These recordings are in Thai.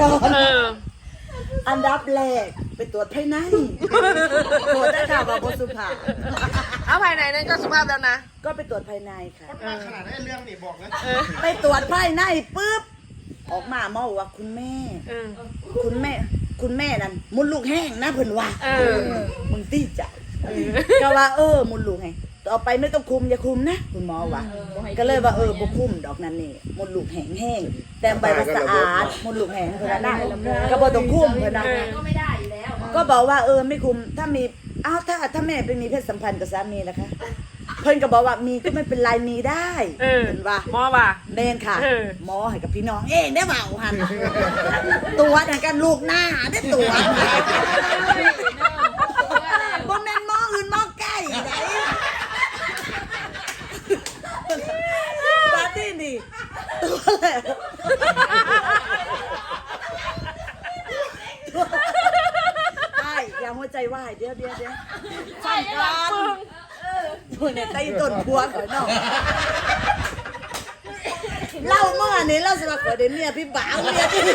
ก่อนอันดับแรกไปตรวจภายในตรวจได้ข่าวว่าบสุภาพเอาภายในนั้นก็สุภาพแล้วนะก็ไปตรวจภายในค่ะขนาดนั้นเรื่องนี่บอกแล้วไปตรวจภายในปุ๊บออกมาหมอบอกว่าคุณแม่นั่นมุดลูกแห้งนะเพิ่นว่ามึงตีใจก็ว่ามุดลูกแห้งต่อไปไม่ต้องคุมอย่าคุมนะคุณหมอว่าก็เลยว่าบ่คุมดอกนั่นนี่มุดลูกแห้งแต่ใบว่าสะอาดมุดลูกแห้งเพิ่นว่าได้ก็บ่ต้องคุมเพิ่นว่าก็ไม่ได้อยู่แล้วก็บอกว่าไม่คุมถ้ามีถ้าแม่ไปมีเพศสัมพันธ์กับสามีล่ะคะเพิ่นก็บอกว่ามีก็ไม่เป็นไรมีได้เพิ่นว่าหมอว่าแม่นค่ะหมอให้กับพี่น้องเองได้เปล่าหันตัวนั่นกันลูกหน้าได้ตัวบ่แม่นหมออื่นหมอใกล้ไหนปาร์ตี้นี่ตัวแล้วใช่อย่าหัวใจวายเดี๋ยวใช่กันตัวเนี่ยใต้ต้นพวงของน้องเล่าเมื่อนี้เล่าสมัครเดี๋ยวเมียพี่บ่าวเมียพี่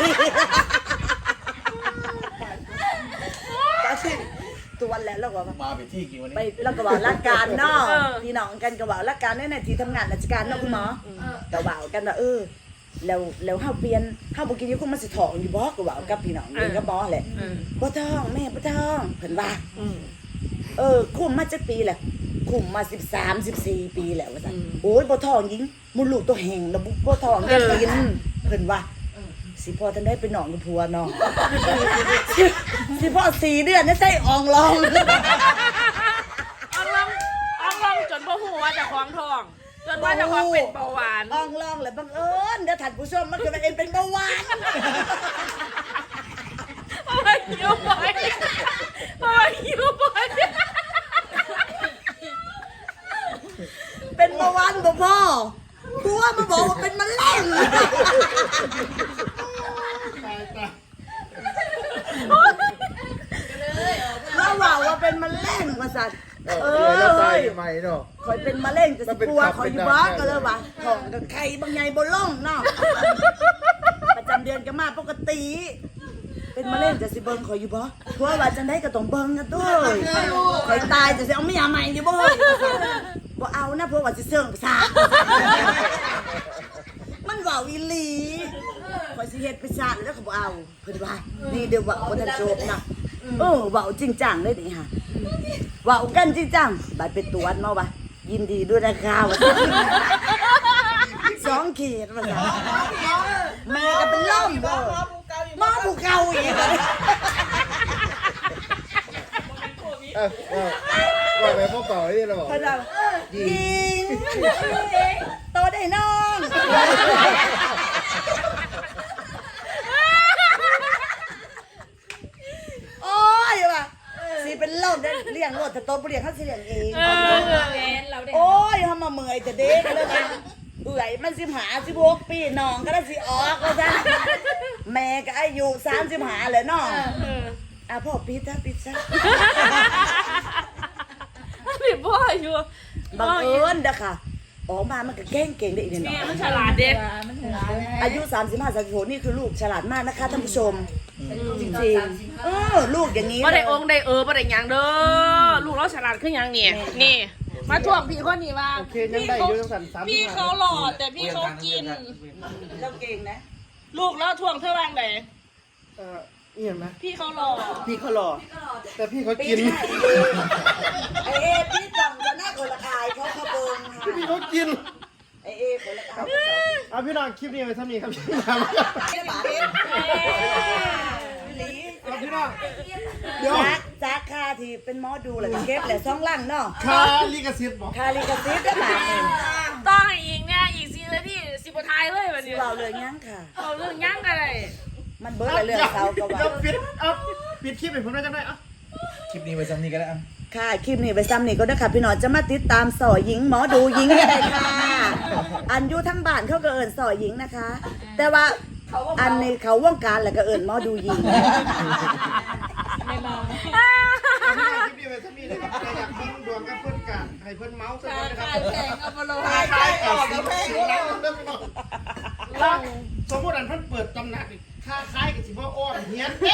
ปาร์ตี้ตัวแล้วเราก็มาไปที่กี่วันนี้ไปเราก็บอกรักการเนาะพี่น้องกันก็บอกรักการในที่ทำงานราชการเนาะคุณหมอแต่ว่ากันว่าแล้วเฮาเปลี่ยนเฮาบ่กินอยู่คงมันสิท้องอยู่บ่ก็ว่ากับพี่น้องเองก็บ่แหละบ่ท้องแม่บ่ท้องเพิ่นว่าคุมมาจักปีแหละคุมมา13 14ปีแล้วว่าซั่นโอ้ยบ่ท้องหญิงมุลูกตัวแห้งแล้วบ่ท้องได้กินเพิ่นว่าสิพ่อท่านได้เป็นน้องกับผัวน้องสิพ่อ4 เดือนได้ใส่อ่องลองจนพ่อหูว่าจะคล้องทองจนว่าจะคล้องเป็นเบาหวานอ่องลองเลยบังเอิญเดี๋ยวท่านผู้ชมมันคือเองเป็นเบาหวานไม่หิวบ่อยเป็นเบาหวานบ่พ่อผัวมาบอกว่าเป็นมะเร็งเราว่าเป็นมะเร็งมาสั่นตายใหม่เนาะคอยเป็นมะเร็งจะสิปัวคอยอยู่บ้าก็เลยว่าท้องกับไข่บางไงบ่ล่องเนาะประจำเดือนก็มาปกติเป็นมะเร็งจะสิเบิ่งคอยอยู่บ่ผัวว่าจังได๋ก็ต้องเบิ่งกันด้วยคอยตายจะสิเอาเมียใหม่อยู่บ่บ่เอานะผัวว่าสิเสื่องประสาทมันเว้าอีหลีคอยสิเฮ็ดประสาทแล้วก็บ่เอาเพิ่นว่านี่เดี๋ยวว่าบ่ทันจบนะเว้าจริงจังเลยนี่ค่ะว่ากันจริงจังบัดไปตรวจมาว่ายินดีด้วยนะคะว่า2 ขีดว่าแม่ก็เป็นล่มหมอผู้เก่าอีกว่าไปพวกเก่าที่เราบอกยิงโตได้น้องโอ้ยว่ะสิเป็นล่มได้เลี้ยงรถแต่โตบ่เลี้ยงเขาสิเลี้ยงเองโอ้ยเฮามาเมื่อยแต่เด็กเลยนะเอื่อยมัน16 ปีน้องก็ได้สิออกแล้วจ้ะแม่ก็อายุ35เลยน้องพ่อปิดซะปิดพ่ออยู่บังเอิญเด้อค่ะออกมามันก็เก่งได้อีกนิดหน่อยมันฉลาดเด็กอายุ35 36นี่คือลูกฉลาดมากนะคะท่านผู้ชมจริงๆลูกอย่างนี้บ่ได้องค์ได้บ่ได้หยังเด้อลูกเราฉลาดขึ้นยังนี่มาถ่วงพี่คนนี้ว่าพี่เขาหล่อแต่พี่เขากินเราเก่งนะลูกแล้วถ่วงเท่าไหร่ไหนเห็นไหมพี่เขาหล่อแต่พี่เขากินไอพี่จังจะหน้าคนละอายเขาขบงค่ะพี่เขากินไอคนละอายเอาพี่น้องคลิปนี้ไปทำนี่ครับพี่น้องเดี๋ยวจักค่าที่เป็นหมอดูแหละเก็บแหละ2 ลังเนาะค่าลิขสิทธิ์บอกค่าลิขสิทธิ์ได้บาทต้องอีกเนี่ยอีกซีเลยพี่10 บ่ทายเลยแบบนี้เราเลยยั้งค่ะเอาเรื่องยั้งอะไรมันเบิร์ดเรื่องเสาก็ว่าปิดคลิปให้ผมได้จังได้คลิปนี้ไปซ้ำนี่ก็ได้ค่ะคลิปนี้ไปซ้ำนี่ก็ได้ค่ะพี่น้องจะมาติดตามสอหญิงหมอดูหญิงได้ค่ะอันอยู่ทั้งบ้านเขาก็เอิญสอหญิงนะคะแต่ว่าอันนี้เขาว่องการแล้วก็เอิญหมอดูหญิงไม่มองคลิปนี้ไปซ้ำนี่นะครับใครอยากฟังดวงกับเพื่อนกันให้เพื่อนเมาส์กันนะครับแข่งเอามาลงขายออกกับแพงสมมติอันเพิ่นเปิดตำหนักค่าขายกับสิบ่อ้อนเฮียนเต็ม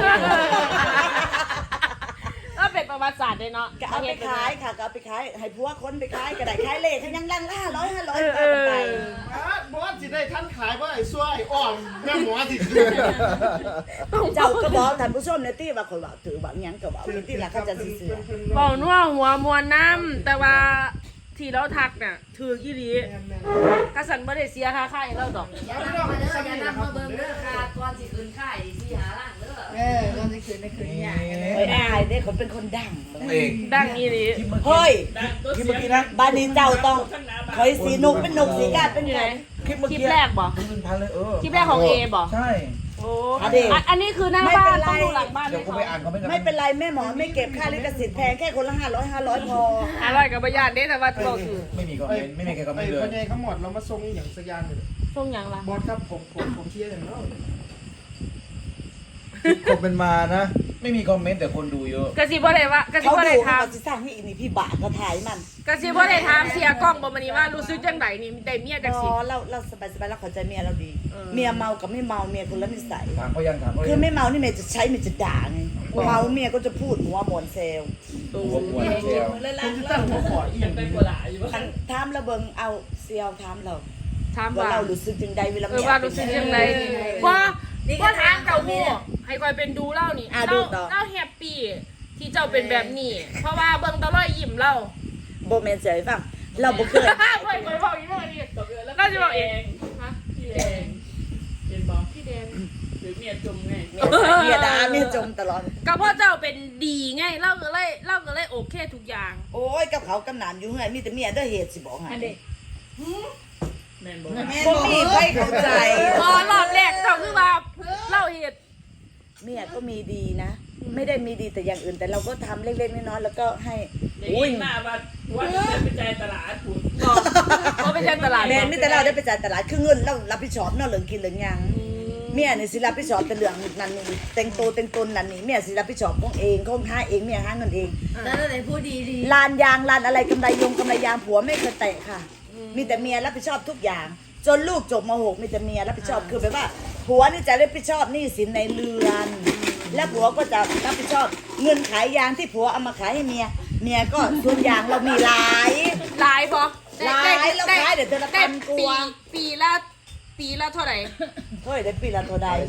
ก็เป็นประวัติศาสตร์เลยเนาะก็เอาไปขายค่ะก็เอาไปขายให้พวกคนไปขายก็ได้ขายเลขยังลังละ500ไปบอสสิได้ท่านขายว่าไอ้ซ้วยอ่อนแม่หมอสิเจ้าก็บอกท่านผู้ชมในที่ว่าคนว่าถือว่าหยังก็ว่าที่ละเขาจะซื้อบอกนัวหัวมวนน้ำแต่ว่าที่เราทักเนี่ยถือกี่ดีกระสันบ่ได้เสียค่าค่ายเราดอกแล้วพี่น้องอย่านำมาเบิ่งเด้อค่ะก่อนสิคืนค่ายสิหาล่างเด้อเราจะคืนในคืนนี้เฮ้ยอายเด้คนเป็นคนดังเองดังอีหลีเฮ้ยคลิปเมื่อกี้นะบ้านนี้เจ้าต้องคอยสีนุกเป็นนุกสีกาดเป็นอยู่ไงไหนคลิปเมื่อคลิปกี้แรกบ่ 1,000เลยคลิปแรกของเอบ่ใช่โอ้อันนี้อันนี้คือหน้าบ้านต้องดูหลังบ้านเดี๋ยวก็ไปอ่านคอมเมนต์กันไม่เป็นไรแม่หมอไม่เก็บค่าลิขสิทธิ์แพงแค่คนละ500พออร่อยกับประหยัดเด้แต่ว่าเราถือไม่มีคอมเมนต์ไม่มีใครคอมเมนต์เลพ่ยอใหญ่เขาหมดเรามาส่งอย่างสักอย่างเลยช่วงยังล่ะบอสครับผมเชียร์อย่างนั้นคอมเมนต์มานะ ไม่มีคอมเมนต์แต่คนดูเยอะกะสิบ่ได้ว่ากะสิเขาบ่ดูได้เขาถามจะสร้างให้อีนี่พี่บาก็ถ่ายมันกะสิบ่ได้ถามเสียกล้องบ่มื้อนี้ว่ารู้สึกจังไดนี่ได้เมียจังอ๋สิอเราสบายเราเข้าใจเมียเราดีเออเมียเมากับไม่เมาเมียคนละนิสัยถามเขายังถามเขาคือยังไม่เมานี่เมียจะใช้เมียจะด่าไงเมาเมียก็จะพูดหัวหมอนเซลผมปวดเชียวคุณจะตั้งหัวขออีกอย่างเป็นคันถามเราเบิ่งเอาเซียวถามเราถามว่าว่าเรารู้สึกจังใดเวลาเออว่ารู้สึกจังไดว่าว่าถามเจ้าฮู้ให้คอยเป็นดูเล่านี่เล่าแฮปปี้ที่เจ้าเป็นแบบนี้ เพราะว่าเบิ่งตะลอยยิ้มเล่าโบแมนเจยฟังเราบ่เคยคอยบอกอีกเมื่อกี้แล้วก็จะบอกเองฮะพี่แดงเห็นบอกพี่แดงหรือเมียจมไงเมียด่าเมียจมตลอดก็เพราะเจ้าเป็นดีไงเล่าก็เลยโอเคทุกอย่างโอ้ยกับเขากำนานอยู่เฮือนมีแต่เมียเด้อเหตุสิบอกให้แม่นบ่มีใครเข้าใจพอรอบแรกเจ้าคือว่าเล่าเหตุเมียก็มีดีนะ ไม่ได้มีดีแต่อย่างอื่นแต่เราก็ทำเล็กๆน้อยๆแล้วก็ให้อุ้ยบอกไปใช้ตลาดแม่นมีแต่เราได้ไปจ่ายตลาดคือเงินเรารับผิดชอบเนาะเรื่องกินเรื่องหยังเมียนี่สิรับผิดชอบแต่เรื่องนั้นนี่แต่งตัวแต่งตนนั่นนี่เมียสิรับผิดชอบของเองของหาเองเมียหาเงินเองแล้วไหนพูดดีลานยางลานอะไรกำไรยางผัวไม่เคยแตะค่ะ มีแต่เมียรับผิดชอบทุกอย่าง จนลูกจบม.6มีแต่เมียรับผิดชอบคือแบบว่าผัวนี่จะรับผิดชอบหนี้สินในเรือน และผัวก็จะรับผิดชอบเงินขายยางที่ผัวเอามาขายให้เมียก็ส่วนยางเรามีหลายหลายพอหลายแล้วขายเดี๋ยวเดือนละพันกว่าปีละเท่าไหร่เฮ้ยได้ปีละเท่าใด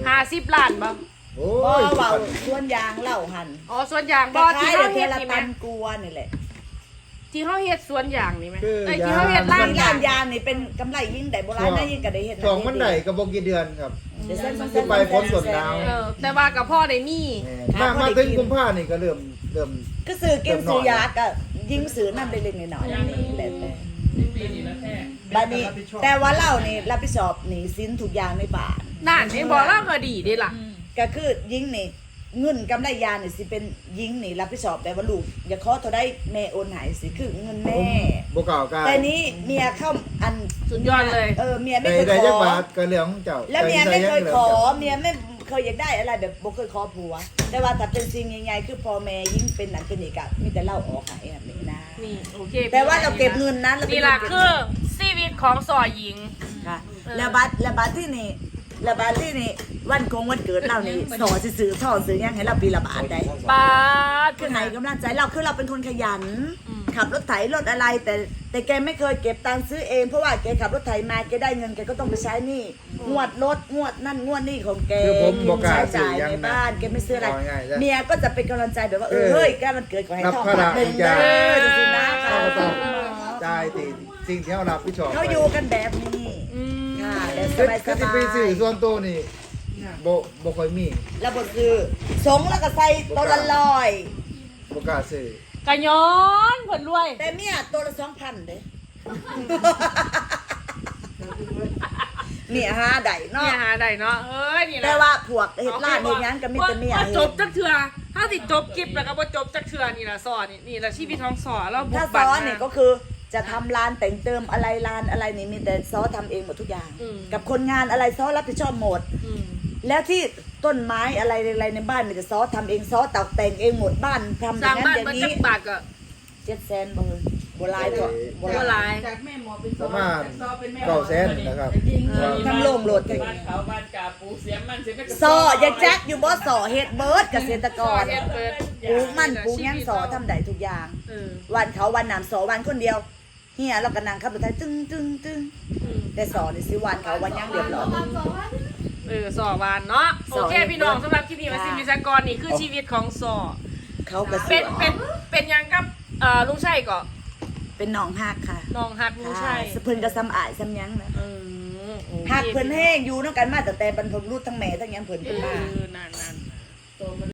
50 ล้านบ่โอ้บ่ยเว้าส่วนยางเล่าหันอ๋อสวนยางบ่ก็ที่ขายเฮาเดืเฮ็อนดละนี่แหมพันกว่านี่แหละที่เฮาเฮ็ดสวนยางนี่แหมเอ้ยที่เฮาเฮ็ดร้าร้าน นร้ายาน งยางนี่เป็นกำไรยิ่งได้โบราณนะยิ่งก็ได้เฮ็ดสองมันไหนกับโบกี่เดือนครับเดี๋ยวเส้นที่ไปพ้นสวนดาวแต่ว่ากับพ่อได้มีมาถึงกุมภานี่ก็เริ่มก็ซื้อกินซื้อยาก็ยิงซื้อนั่นเล็กๆน้อยๆอย่างนี้แหละบัดนี้แต่ว่าเรานี่รับผิดชอบหนี้สินทุกอย่างในบ้านนั่นเห็นบ่เราก็ดีเด้ล่ะก็คือยิงนี่เงินกำไรยานี่สิเป็นยิงนี่รับผิดชอบแต่ว่าลูกอย่าขอเท่าได้แม่โอนใหายสิคือเงินแม่โบเก่ากันแต่นี้เมียเข้าอันสุดยอดเลยเมียไม่ได้เคยได้ขยักอบาทก็เรื่องของเจ้าแล้วเมียไม่เคยขอเมียไม่เคยอยากได้อะไรแบบบ่เคยขอผัว แต่ว่าถ้าเป็นสิ่งใหญ่ๆคือพ่อแม่ยิ่งเป็นนั่นเป็นนี่ก็มีแต่เล่าออกให้แบบนี้นะนี่โอเคแต่ว่าเราเก็บเงินนั้นเรานี่ล่ะคือชีวิตของสอหญิงค่ะแล้วบัตรที่นี่วันคงวันเกิดเรานี่สอสิซื้อท่อซื้อหยังให้เราปีละบาทได้บาทคือให้กำลังใจเราคือเราเป็นคนขยัน ขับรถไถรถอะไรแต่แกไม่เคยเก็บตังค์ซื้อเองเพราะว่าแกขับรถไถมาแกได้เงินแกก็ต้องไปใช้หนี้งวดรถงวดนั่นงวดนี่ของแกคือผมบอกกล้าใช้ซื้จ่าอย ยังในนะบ้านแกไม่ซื้ออะไรเอาง่ายๆจ้ะเมียก็จะเป็นกำลังใจแบบว่าเฮ้ยแกมันเกิดขอให้ท่องรับภาระหนึ่งอีกอเด้ย่างอสินะเขาก็ต้องจ่ายติสิ่งที่เขารับผิดชอบเขาอยู่กันแบบนี้อืมค่ะแบบสคือบายคือที่ไปซื้อส่วนตัวนี่โบค่อยมีแล้วบทคือสงแล้วก็ใส่ตัวละร้อยโบกล้าซื้อกะย้อนผลรวยแต่เมียตัวละ2,000เด้เมียหาได้เนาะเนี่ยหาได้เนาะเอ้ยนี่แหละแต่ว่าพวกเฮ็ดร้านเฮ็ดหยังก็มีแต่เมียว่าเฮ็จดบจักเทื่อถ้าสิจบคลิปแล้วก็บ่จบจักเทื่อนี่ล่ะสอนนี่ล่ะชีวิตของสอนเราบุถ้าก ซบั่นอเนี่ยก็คือจะทำร้านแต่งเติมอะไรร้านอะไรนี่มีแต่ซอทำเองหมดทุกอย่าง กับคนงานอะไรซอรับผิดชอบหมด แล้วที่ต้นไม้อะไรในบ้านมีแต่ซอทำเองซอตกแต่งเองหมดบ้านทำอสร้าย่าง งนั้นบ้านอย่างมันนี้จักบาทก็ 700,000บ่บัวลายตัวบัวตัวลายลายจากแม่หมอเป็นประมาณ900,000นะครับจริงทำโล่งโหลดกันบ้านเขาบ้านกาปูเสียมันเสียไม่ซออย่าแจ็คอยู่บ่ซอเฮ็ดเบิร์ดเกษตรกรเฮ็ดเบิดปลูกมันปลูกหยังซอทำได้ทุกอย่าง วันเขาวันน้ำซอวันคนเดียวเฮียเราก็นั่งขับรถไทยตึ้งตึ้งตึ้งแต่ซอนี่สิวันเขาวันหยังเรียบร้อยสอวานเนาะสโออเคพี่น้องสำหรับคลิปนี้มาซิมิสกรนี่คือชีวิตของสอเขาก็สเป็วนเป็นยังกับลุงชัยก็เป็นน้องฮักค่ะน้องฮักลุงชัยสะเพิ่นก็ซ้ำอายซ้ำหยังนะโอคฮักเพิ่นแห้งอยู่นำกันมาตั้งแต่บรรพบุรุษทั้งแม่ทั้งหยังเพิ่นเพิ่นมานั่น